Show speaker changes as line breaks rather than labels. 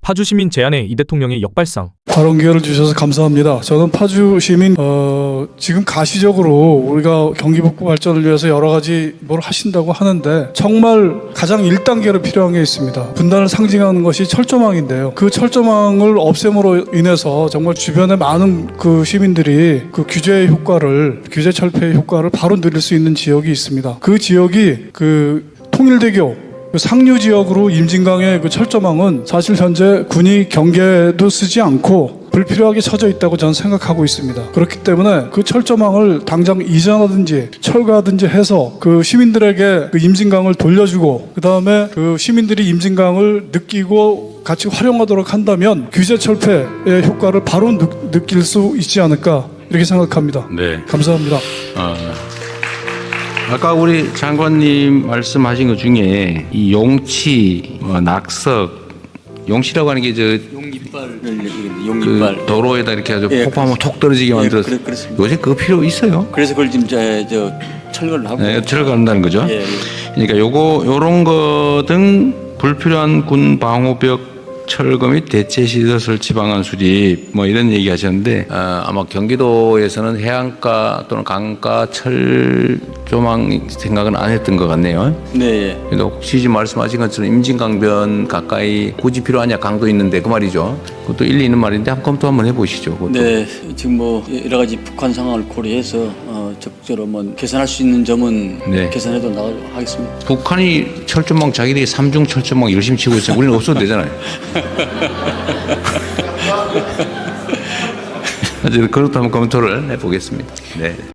파주 시민 제안에 이 대통령의 역발상.
발언 기회를 주셔서 감사합니다. 저는 파주 시민 지금 가시적으로 우리가 경기 북부 발전을 위해서 여러 가지 뭘 하신다고 하는데 정말 가장 1단계로 필요한 게 있습니다. 분단을 상징하는 것이 철조망인데요. 그 철조망을 없앰으로 인해서 정말 주변에 많은 그 시민들이 그 규제 철폐의 효과를 바로 누릴 수 있는 지역이 있습니다. 그 지역이 그 통일대교 그 상류 지역으로 임진강의 그 철조망은 사실 현재 군이 경계도 쓰지 않고 불필요하게 쳐져 있다고 저는 생각하고 있습니다. 그렇기 때문에 그 철조망을 당장 이전하든지 철거하든지 해서 그 시민들에게 그 임진강을 돌려주고 그 다음에 그 시민들이 임진강을 느끼고 같이 활용하도록 한다면 규제 철폐의 효과를 바로 느낄 수 있지 않을까 이렇게 생각합니다.
네.
감사합니다.
아까 우리 장관님 말씀하신 것 중에 이 용치, 낙석, 용치라고 하는 게 저
용깃발
그 도로에다 이렇게 해서
예,
폭파하면 톡 떨어지게 만들어서
그렇습니다.
요새 그거 필요 있어요?
그래서 그걸 지금 저 철거를 하고
네, 들어간다는 거죠.
예, 예.
그러니까 요런 거 등 불필요한 군 방호벽 철거 및 대체 시설 설치 방안 수립 뭐 이런 얘기 하셨는데 아마 경기도에서는 해안가 또는 강가 철조망 생각은 안 했던 것 같네요.
네. 예.
그래도 혹시 지금 말씀하신 것처럼 임진강변 가까이 굳이 필요하냐 강도 있는데 그 말이죠. 그것도 일리 있는 말인데 한번 검토 한번 해보시죠. 그것도.
네, 지금 뭐 여러 가지 북한 상황을 고려해서 적절히 뭐 개선할 수 있는 점은
네.
개선해도 나가도록 하겠습니다.
북한이 철조망 자기들이 삼중 철조망 열심히 치고 있어요. 우리는 없어도 되잖아요. 어쨌든 그것도 한번 검토를 해보겠습니다. 네.